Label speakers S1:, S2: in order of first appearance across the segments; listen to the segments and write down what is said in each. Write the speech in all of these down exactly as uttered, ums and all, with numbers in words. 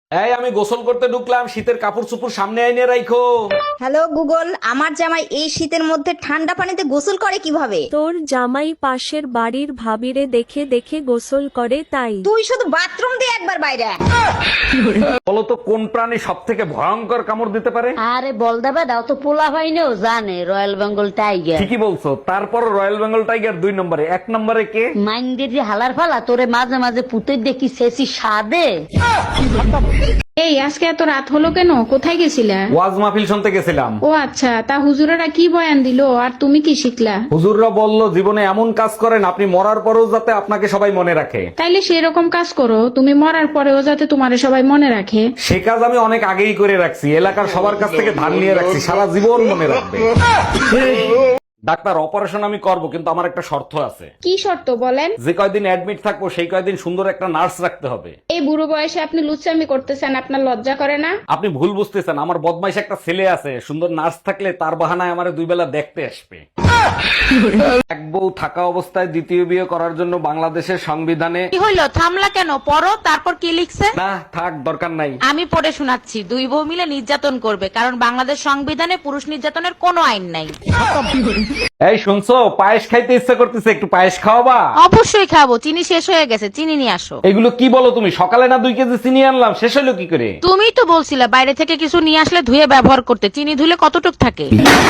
S1: এই আমি গোসল করতে ঢুকলাম, শীতের কাপড় চোপড় সামনে আইনে রাখো।
S2: হ্যালো গুগল, আমার জামাই এই শীতের মধ্যে ঠান্ডা পানিতে গোসল করে কিভাবে?
S3: তোর জামাই পাশের বাড়ির ভাবিরে দেখে দেখে গোসল করে তাই।
S2: তুই শুধু বাথরুম দিয়ে একবার বাইরে আয়।
S1: বলো তো কোন প্রাণী সব থেকে ভয়ঙ্কর কামড় দিতে পারে?
S4: আরে বল দেবে দাও তো, পোলা হয়নিও জানে রয়্যাল বেঙ্গল টাইগার।
S1: ঠিকই বলছো, তারপর রয়্যাল বেঙ্গল টাইগার দুই নম্বরে, এক নম্বরে কে?
S4: মাইন্ডের যে হালার ফালা তোরে মাঝে মাঝে পুতে দেখি শেষি সাদে।
S5: এই আজকে এত রাত হলো কেন? কোথায় গেছিলা?
S1: ওয়াজ মাহফিল শুনতে গেছিলাম।
S5: ও আচ্ছা, তা হুজুরেরা কি বয়ান দিলো আর তুমি কি শিখলা?
S1: হুজুররা বলল জীবনে এমন কাজ করেন আপনি মরার পরেও যাতে আপনাকে সবাই মনে রাখে।
S5: তাইলে সেরকম কাজ করো, তুমি মরার পরেও যাতে তোমারে সবাই মনে রাখে।
S1: সে কাজ আমি অনেক আগেই করে রাখছি, এলাকার সবার কাছ থেকে ধার নিয়ে রাখছি, সারা জীবন মনে রাখবে। ডাক্তার, অপারেশন আমি করব, কিন্তু আমার একটা শর্ত আছে।
S5: কি শর্ত বলেন?
S1: যে কয়দিন অ্যাডমিট থাকবো সেই কয়দিন সুন্দর একটা নার্স রাখতে হবে।
S5: এই বুড়ো বয়সে আপনি লুচ্চামি করতেছেন, আপনার লজ্জা করে না?
S1: আপনি ভুল বুঝতেছেন, আমার বদমাইশ একটা ছেলে আছে, সুন্দর নার্স থাকলে তার বাহানায় আমার দুই বেলা দেখতে আসবে। এক বউ থাকা অবস্থায় দ্বিতীয় বিয়ে করার জন্য বাংলাদেশের সংবিধানে
S6: কি হইলো, থামলা কেন? পড়ো, তারপর কি লিখছে?
S1: না থাক, দরকার নাই।
S6: আমি পড়ে শোনাচ্ছি। দুই বউ মিলে নির্যাতন করবে, কারণ বাংলাদেশ সংবিধানে পুরুষ নির্যাতনের কোনো আইন নাই।
S1: এই শুনছো, পায়েস খাইতে ইচ্ছা করতেছে, একটু পায়েস খাওয়াবা?
S6: অবশ্যই খাবো, চিনি শেষ হয়ে গেছে, চিনি নিয়ে আসো।
S1: এগুলো কি বলো তুমি? সকালে না দুই কেজি চিনি আনলাম, শেষ হলো কি করে?
S6: তুমিই তো বলছিলে বাইরে থেকে কিছু নিয়ে আসলে ধুয়ে ব্যবহার করতে। চিনি ধুলে কতটুক থাকে?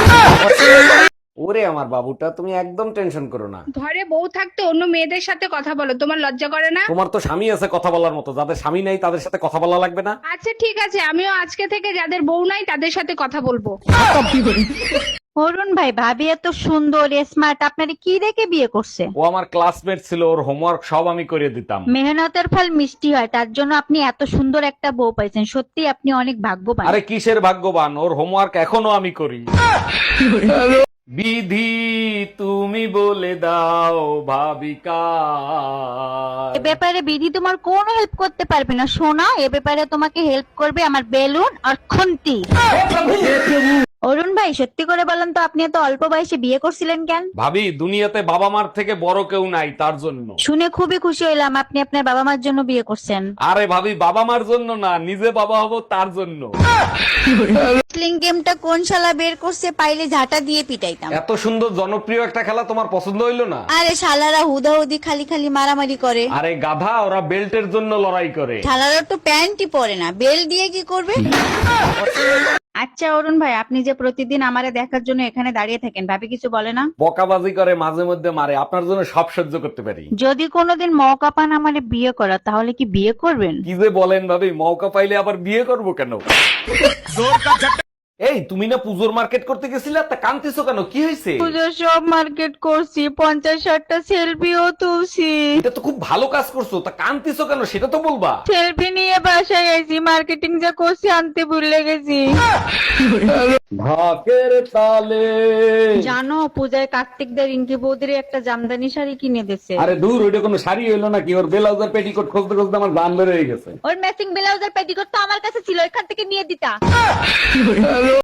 S1: ওরে আমার বাবুটা, তুমি একদম টেনশন করো না।
S5: ঘরে বউ থাকতে অন্য মেয়েদের সাথে কথা বলো, তোমার লজ্জা করে না?
S1: তোমার তো স্বামী আছে কথা বলার মতো, যাদের স্বামী নেই তাদের সাথে কথা বলা লাগবে না?
S5: আচ্ছা ঠিক আছে, আমিও আজকে থেকে যাদের বউ নাই তাদের সাথে কথা বলবো।
S7: অরুণ ভাই, ভাবি এত সুন্দর স্মার্ট, আপনারে কি দেখে বিয়ে করছে?
S1: ও আমার ক্লাসমেট ছিল, ওর হোমওয়ার্ক সব আমি করে দিতাম।
S7: মেহনতের ফল মিষ্টি হয়, তার জন্য আপনি এত সুন্দর একটা বউ পাইছেন। সত্যি আপনি অনেক ভাগ্যবান।
S1: আরে কিসের ভাগ্যবান, ওর হোমওয়ার্ক এখনো আমি করি। বিধি তুমি বলে দাও ভাবিকা।
S7: এ ব্যাপারে বিধি তোমার কোনো হেল্প করতে পারবে না সোনা, এ ব্যাপারে তোমাকে হেল্প করবে আমার বেলুন আর খুন্তি। অরুণ ভাই, সত্যি করে বলেন তো, আপনি এত অল্প বয়সে বিয়ে করছিলেন কেন?
S1: ভাবি, দুনিয়াতে বাবা মার থেকে বড় কেউ নাই, তার জন্য।
S7: শুনে খুবই খুশি হইলাম আপনি আপনার বাবা মার জন্য বিয়ে করছেন।
S1: আরে ভাবি, বাবা মার জন্য না, নিজে বাবা হব তার জন্য।
S2: স্লিং গেমটা কোন শালা বের করছে, পাইলে ঝাঁটা দিয়ে পিটাইতাম।
S1: এত সুন্দর জনপ্রিয় একটা খেলা তোমার পছন্দ হইলো না?
S2: আরে শালারা হুদাহুদি খালি খালি মারামারি করে।
S1: আরে গাধা, ওরা বেল্টের জন্য লড়াই করে।
S2: শালারা তো প্যান্টই পরে না, বেল দিয়ে কি করবে?
S7: আচ্ছা অরুণ ভাই, আপনি যে প্রতিদিন আমারে দেখার জন্য এখানে দাঁড়িয়ে থাকেন, ভাবি কিছু বলে না?
S1: বকাবাজি করে, মাঝে মধ্যে মারে, আপনার জন্য সব সহ্য করতে পারি।
S7: যদি কোনোদিন মৌকা পান আমারে বিয়ে করা, তাহলে কি বিয়ে করবেন?
S1: কি যে বলেন ভাবি, মৌকা পাইলে আবার বিয়ে করব কেন? এই তুমি না পুজোর মার্কেট করতে গেছিলা, তা কান্তিছো কেন? কি হয়েছে?
S7: পুজোর সব মার্কেট করছি, পঞ্চাশ ষাটটা সেলফিও তুলছি।
S1: এটা তো খুব ভালো কাজ করছো, তা কান্তিছো কেন সেটা তো বলবা।
S7: সেলফি নিয়ে বাসায় গেছি, মার্কেটিং যা করছি আনতে ভুলে গেছি।
S1: ঢাকের তালে।
S7: জানো, পূজায় কার্তিকদের রিঙ্কি বৌদির একটা জামদানি শাড়ি কিনে দিছে।
S1: আরে দূর, ওইটা কোনো শাড়ি হইলো নাকি? ওর ব্লাউজার পেটিকোট খুঁজতে খুঁজতে আমার জান বের হয়ে গেছে।
S7: ওর ম্যাচিং ব্লাউজের পেটিকোট তো আমার কাছে ছিল, এখান থেকে নিয়ে দিতা।